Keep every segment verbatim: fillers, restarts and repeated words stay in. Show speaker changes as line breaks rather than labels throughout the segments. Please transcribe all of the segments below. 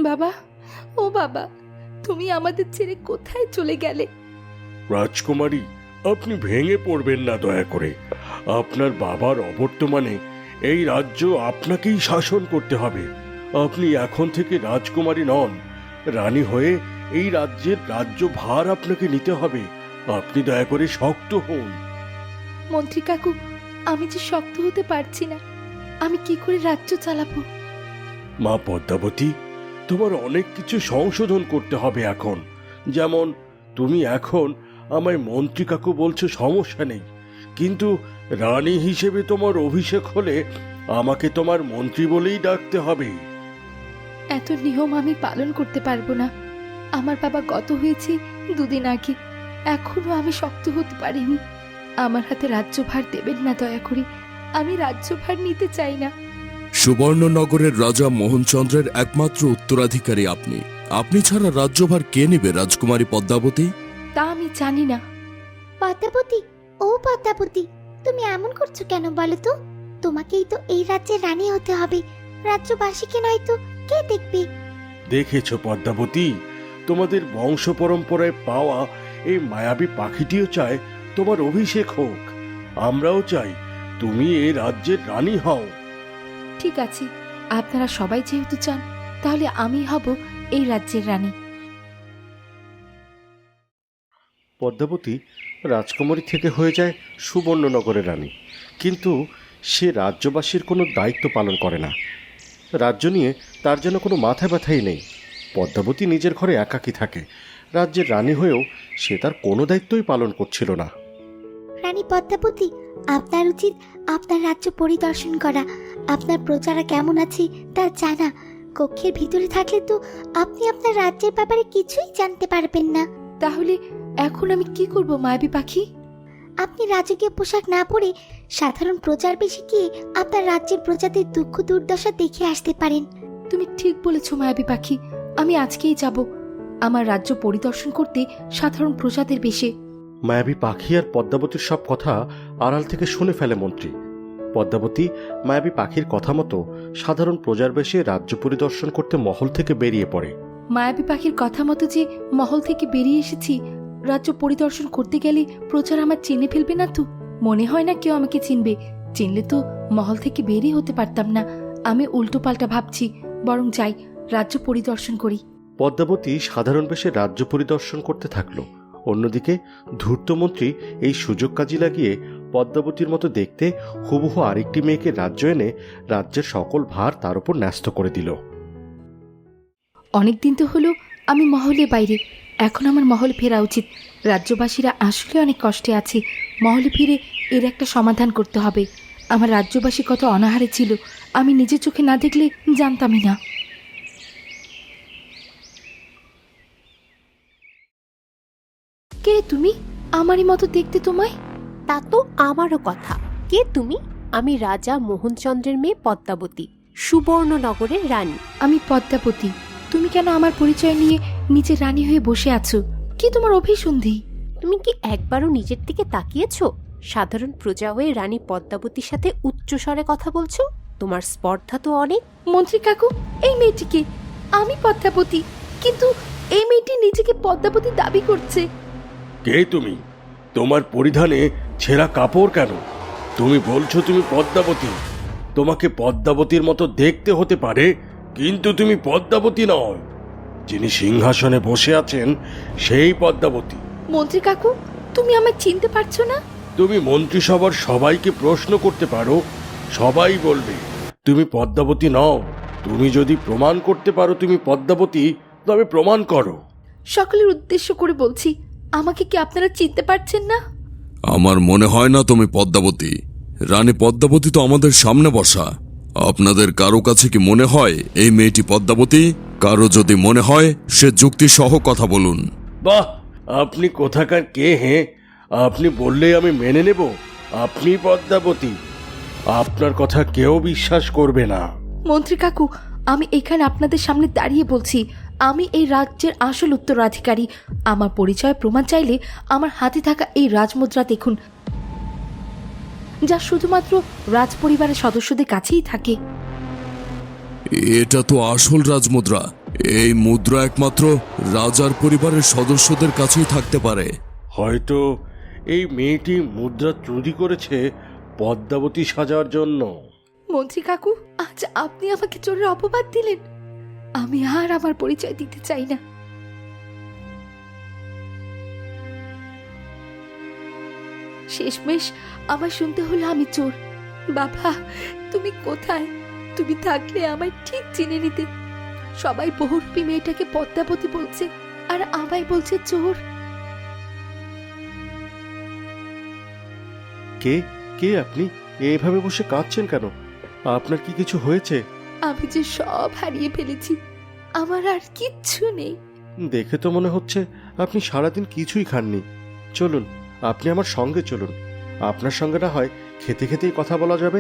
বাবা, ও বাবা, তুমি আমাদের ছেড়ে কোথায় চলে গেলে?
রাজকুমারী, আপনি ভেঙে পড়বেন না দয়া করে। আপনার বাবার অবর্তমানে এই রাজ্য আপনাকেই শাসন করতে হবে। আপনি এখন থেকে রাজকুমারী নন, রানী হয়ে এই রাজ্যের রাজ্য ভার আপনাকে নিতে হবে। আপনি দয়া করে শক্ত হন।
মন্ত্রী কাকু, আমি যে শক্ত হতে পারছি না, আমি কি করে রাজ্য চালাবো?
মা পদ্মাবতী, তোমার অনেক কিছু সংশোধন করতে হবে এখন। যেমন তুমি এখন আমায় মন্ত্রী কাকু বলছো, সমস্যা নেই, কিন্তু রানী হিসেবে তোমার অভিষেক হলে আমাকে তোমার মন্ত্রী বলেই ডাকতে হবে।
এত নিয়ম আমি পালন করতে পারবো না। আমার বাবা গত হয়েছে দুদিন আগে, এখনো আমি শক্ত হতে পারিনি। আমার হাতে রাজ্যভার দেবেন না দয়া করে, আমি রাজ্যভার নিতে চাই না।
সুবর্ণনগরের রাজা মোহনচন্দ্রের একমাত্র উত্তরাধিকারী আপনি। আপনি ছাড়া রাজ্যভার কে নেবে রাজকুমারী পদ্মাবতী?
তা আমি জানি না।
পদ্মাবতী, ও পদ্মাবতী, তুমি এমন করছো কেন বলো তো? তোমাকেই তো এই রাজ্যের রানী হতে হবে, রাজ্যবাসীকে নয়তো কে দেখবে?
দেখেছো পদ্মাবতী, তোমাদের বংশ পরম্পরায় পাওয়া এই মায়াবী পাখিটিও চায় তোমার অভিষেক হোক। আমরাও চাই তুমি এই রাজ্যের রানী হও।
ঠিক আছে, আপনারা সবাই যেহেতু চান, তাহলে আমি হব এই রাজ্যের রানী।
পদ্মাবতী রাজকুমারী থেকে হয়ে যায় সুবর্ণনগরের রানী, কিন্তু সে রাজ্যবাসীর কোনো দায়িত্ব পালন করে না। রাজ্য নিয়ে তার যেন কোনো মাথা ব্যথাই নেই। পদ্মাবতী নিজের ঘরে একাকী থাকে। রাজ্যের রানী হয়েও সে তার কোনো দায়িত্বই পালন করছিল না।
রানী পদ্মাবতী, আপনার উচিত আপনার রাজ্য পরিদর্শন করা, আপনার প্রজারা কেমন আছে তা জানা। কক্ষের ভিতরে থাকলে তো আপনি আপনার রাজ্যের ব্যাপারে কিছুই জানতে পারবেন না।
তাহলে এখন আমি কি করব মায়াবী পাখি?
আপনি রাজকীয় পোশাক না পরে সাধারণ প্রজার বেশে গিয়ে আপনার রাজ্যের প্রজাদের দুঃখ দুর্দশা দেখে আসতে পারেন।
তুমি ঠিক বলেছ মায়াবী পাখি, আমি আজকেই যাব আমার রাজ্য পরিদর্শন করতে সাধারণ প্রজাদের বেশে।
মায়াবী পাখি আর পদ্মাবতীর সব কথা আড়াল থেকে শুনে ফেলে মন্ত্রী। পদ্মাবতী মায়াবী পাখির কথা মতো সাধারণ প্রজার বেশে রাজ্য পরিদর্শন করতে মহল থেকে বেরিয়ে পড়ে।
মায়াবী পাখির কথা মতো যে মহল থেকে বেরিয়ে এসেছি, রাজ্য পরিদর্শন করতে গেলে প্রচার আমার চিনে ফেলবে না তো? মনে হয় না কেউ আমাকে চিনবে। চিনলে তো মহল থেকে বেরিয়ে হতে পারতাম না। আমি উল্টো পাল্টা ভাবছি, বরং যাই রাজ্য পরিদর্শন করি।
পদ্মাবতী সাধারণ বেশে রাজ্য পরিদর্শন করতে থাকলো। অন্যদিকে ধূর্তমন্ত্রী এই সুযোগ কাজে লাগিয়ে পদ্মাবতীর মতো দেখতে হুবহু আরেকটি মেয়েকে রাজ্য এনে রাজ্যের সকল ভার তার উপর ন্যস্ত করে দিল।
অনেকদিন তো হলো আমি মহলে বাইরে, এখন আমার মহলে ফেরা উচিত। রাজ্যবাসীরা আসলে অনেক কষ্টে আছে, মহলে ফিরে এর একটা সমাধান করতে হবে। আমার রাজ্যবাসী কত অনাহারে ছিল, আমি নিজের চোখে না দেখলে জানতামই না। কে তুমি? আমারই মতো দেখতে তোমায়।
তা তো আমারও কথা। কে তুমি? আমি রাজা মোহনচন্দ্রের মেয়ে পদ্মাবতী, সুবর্ণনগরের রানী।
আমি পদ্মাবতী। তুমি কেন আমার পরিচয় নিয়ে নিজের রানী হয়ে বসে আছো? কি তোমার অভিসন্ধি?
তুমি কি একবারও নিজের দিকে তাকিয়েছো? সাধারণ প্রজা হয়ে রানী পদ্মাবতীর সাথে উচ্চস্বরে কথা বলছো? তোমার স্পর্ধা তো অনেক।
মন্ত্রী কাকু, এই মেয়েটিকে। আমি পদ্মাবতী, কিন্তু এই মেয়েটি নিজেকে পদ্মাবতী দাবি করছে।
কে তুমি? তোমার পরিধানে ছেঁড়া কাপড় কেন? তুমি বলছো তুমি পদ্মাবতী। তোমাকে পদ্মাবতীর মতো দেখতে হতে পারে, কিন্তু তুমি পদ্মাবতী নও। যিনি সিংহাসনে বসে আছেন সেই পদ্মাবতী।
মন্ত্রী কাকু, তুমি আমায় চিনতে পারছো না?
তুমি মন্ত্রিসভার সবাইকে প্রশ্ন করতে পারো, সবাই বলবে তুমি পদ্মাবতী নও। তুমি যদি প্রমাণ করতে পারো তুমি পদ্মাবতী, তবে প্রমাণ করো।
সকলের উদ্দেশ্য করে বলছি, আমাকে কি আপনারা চিনতে পারছেন না?
আমার মনে হয় না তুমি পদ্মাবতী। রানী পদ্মাবতী তো আমাদের সামনে বসা। আপনাদের কারো কাছে কি মনে হয় এই মেয়েটি পদ্মাবতী? কারো যদি মনে হয় সে যুক্তি সহ কথা বলুন।
বাহ, আপনি কোথাকার কে? হে, আপনি বললেই আমি মেনে নেব আপনি পদ্মাবতী। আপনার কথা কেউ বিশ্বাস করবে না।
মন্ত্রী কাকু, আমি এখানে আপনাদের সামনে দাঁড়িয়ে বলছি, আমি এই রাজ্যের আসল উত্তরাধিকারী। আমার পরিচয় প্রমাণ চাইলে আমার হাতে থাকা এই রাজমুদ্রা দেখুন, যা শুধুমাত্র রাজ পরিবারের সদস্যদের কাছেই থাকে।
এটা তো আসল রাজমুদ্রা। এই মুদ্রা একমাত্র রাজার পরিবারের সদস্যদের কাছেই থাকতে পারে।
হয়তো এই মেয়েটি মুদ্রা চুরি করেছে পদ্মাবতী সাজার জন্য।
মন্ত্রী কাকু, আজ আপনি আমাকে চোরের অপবাদ দিলেন। আমি আর আমার পরিচয় দিতে চাই না। শেষমেশ আমার শুনতে হলো আমি চোর। বাবা, তুমি কোথায়? তুমি থাকলে আমায় ঠিক চিনে নিতে। সবাই বহুরূপী মেয়েটাকে পদ্মাবতী বলছে, আর আমায় বলছে চোর।
কে কে আপনি? এভাবে বসে কাঁদছেন কেন? আপনার কি কিছু হয়েছে?
আমি যে সব হারিয়ে ফেলেছি, আমার আর কিচ্ছু নেই।
দেখে তো মনে হচ্ছে আপনি সারাদিন কিছুই খাননি। চলুন, আপনি আমার সঙ্গে চলুন। আপনার সঙ্গে না হয় খেতে খেতেই কথা বলা যাবে।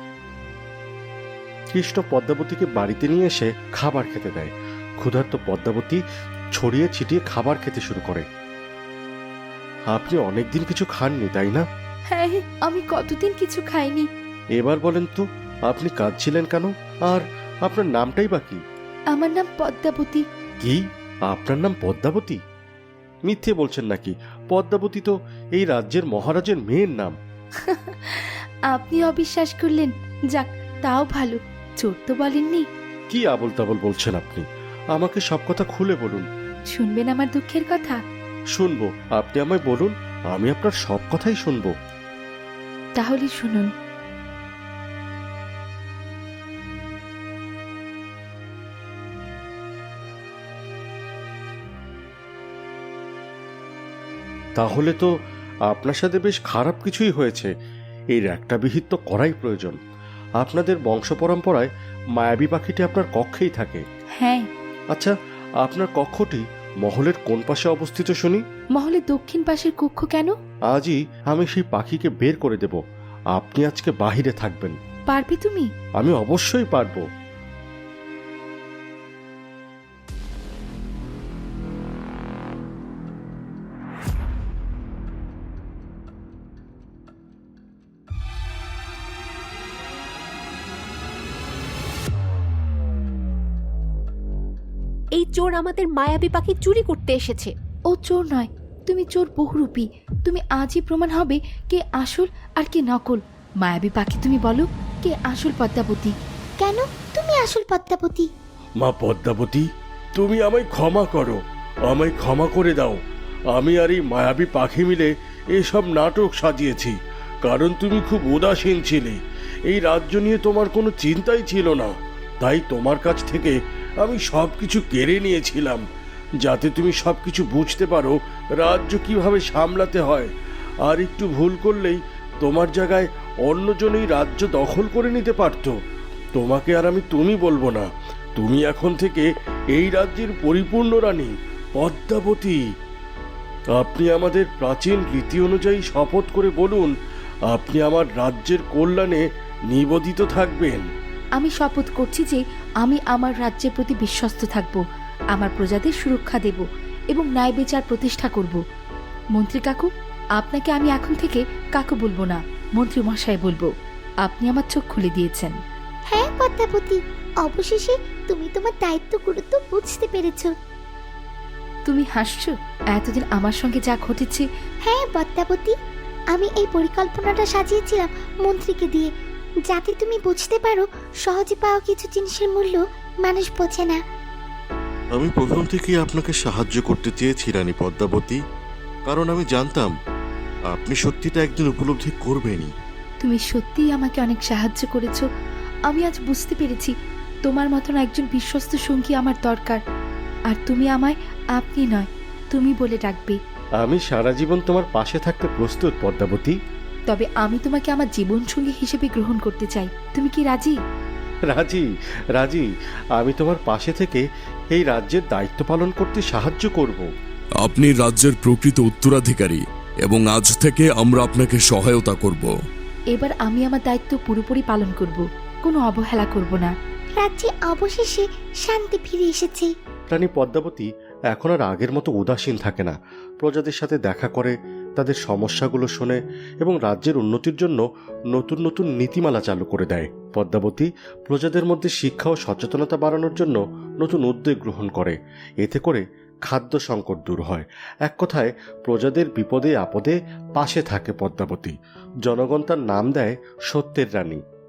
কৃষ্ণ পদ্মাবতীকে বাড়িতে নিয়ে এসে খাবার খেতে দেয়। ক্ষুধার্ত পদ্মাবতী ছড়িয়ে ছিটিয়ে খাবার খেতে শুরু করে। আপনি অনেকদিন কিছু খাননি, তাই না?
হ্যাঁ, আমি কতদিন কিছু খাইনি।
এবার বলেন তো, আপনি কাঁদছিলেন কেন? আর আপনার নামটাই বা কি?
আমার নাম পদ্মাবতী।
কি? আপনার নাম পদ্মাবতী? মিথ্যে বলছেন নাকি? পদ্মাবতী তো এই রাজ্যের মহারাজের মেয়ের নাম।
আপনি অবিশ্বাস করলেন, যাক তাও ভালো। চোর তো বলেননি।
কি আবল তাবল বলছেন আপনি? আমাকে সব কথা খুলে বলুন।
শুনবেন আমার দুঃখের কথা?
শুনবো, আপনি আমায় বলুন, আমি আপনার সব কথাই শুনবো।
তাহলে শুনুন।
তাহলে তো আপনার সাথে বেশ খারাপ কিছুই হয়েছে। এই একটা বিহিত তো করাই প্রয়োজন। আপনাদের বংশ পরম্পরায় মায়াবী পাখিটি আপনার কক্ষেই থাকে।
হ্যাঁ।
আচ্ছা, আপনার কক্ষটি মহলের কোন পাশে অবস্থিত শুনি?
মহলের দক্ষিণ পাশের কক্ষ। কেন?
আজই আমি সেই পাখিকে বের করে দেব। আপনি আজকে বাহিরে থাকবেন।
পারবে তুমি?
আমি অবশ্যই পারবো।
এই চোর আমাদের মায়াবী পাখি চুরি করতে এসেছে।
ও চোর নয়, তুমি চোর বহুরূপী। তুমি আজই প্রমাণ হবে কে আসল আর কে নকল। মায়াবী পাখি, তুমি বলো কে আসল পদ্মাবতী?
কেন তুমি আসল পদ্মাবতী?
মা পদ্মাবতী, তুমি আমায় ক্ষমা করো, আমায় ক্ষমা করে দাও। আমি আর এই মায়াবী পাখি মিলে এসব নাটক সাজিয়েছি, কারণ তুমি খুব উদাসীন ছিলে। এই রাজ্য নিয়ে তোমার কোনো চিন্তাই ছিল না, তাই তোমার কাছ থেকে আমি সব কিছু কেড়ে নিয়েছিলাম, যাতে তুমি সব কিছু বুঝতে পারো রাজ্য কিভাবে সামলাতে হয়। আর একটু ভুল করলেই তোমার জায়গায় অন্যজনই রাজ্য দখল করে নিতে পারত। তোমাকে আর আমি তুমি বলবো না, তুমি এখন থেকে এই রাজ্যের পরিপূর্ণ রানী পদ্মাবতী। আপনি আমাদের প্রাচীন রীতি অনুযায়ী শপথ করে বলুন, আপনি আমার রাজ্যের কল্যাণে নিবেদিত থাকবেন।
আমি শপথ করছি যে আমি আমার রাজ্যের প্রতি বিশ্বস্ত থাকব, আমার প্রজাদের সুরক্ষা দেব এবং ন্যায় বিচার প্রতিষ্ঠা করব। মন্ত্রী কাকু, আপনাকে আমি এখন থেকে কাকু বলবো না, মন্ত্রী মশাই বলবো। আপনি আমার চোখ খুলে দিয়েছেন।
হ্যাঁ পদ্মাবতী, অবশেষে তুমি তোমার দায়িত্ব গুরুত্ব বুঝতে পেরেছো।
তুমি হাসছো? এতদিন আমার সঙ্গে যা ঘটেছে।
হ্যাঁ পদ্মাবতী, আমি এই পরিকল্পনাটা সাজিয়েছিলাম মন্ত্রীকে দিয়ে, যাতে তুমি বুঝতে পারো সহজে পাওয়া কিছু জিনিসের মূল্য মানুষ বোঝে না।
আমি প্রথম থেকেই আপনাকে সাহায্য করতে চেয়েছি রানী পদ্মাবতী, কারণ আমি জানতাম আপনি সত্যিটা একদিন উপলব্ধি করবেনই।
তুমি সত্যিই আমাকে অনেক সাহায্য করেছো। আমি আজ বুঝতে পেরেছি তোমার মতন একজন বিশ্বস্ত সঙ্গী আমার দরকার। আর তুমি আমায় আপনি নয়, তুমি বলে ডাকবে।
আমি সারা জীবন তোমার পাশে থাকতে প্রস্তুত পদ্মাবতী।
তবে আমি তোমাকে আমার জীবনসঙ্গী হিসেবে গ্রহণ করতে চাই। তুমি কি রাজি?
রাজি, রাজি। আমি তোমার পাশে থেকে এই রাজ্যের দায়িত্ব পালন করতে সাহায্য করব।
আপনি রাজ্যের প্রকৃত উত্তরাধিকারী এবং আজ থেকে আমরা আপনাকে সহায়তা করব।
এবার আমি আমার দায়িত্ব পুরোপুরি পালন করব, কোনো অবহেলা করব না।
রাজ্যে অবশেষে শান্তি ফিরে এসেছে।
রানী পদ্মাবতী এখন আর আগের মতো উদাসীন থাকে না। প্রজাদের সাথে দেখা করে, তাদের সমস্যাগুলো শোনে এবং রাজ্যের উন্নতির জন্য নতুন নতুন নীতিমালা চালু করে দেয়। পদ্মাবতী প্রজাদের মধ্যে শিক্ষা ও সচেতনতা বাড়ানোর জন্য নতুন উদ্যোগ গ্রহণ করে। এতে করে খাদ্য সংকট দূর হয়। এক কথায় প্রজাদের বিপদে আপদে পাশে থাকে পদ্মাবতী। জনগণ তার নাম দেয় সত্যের রানী।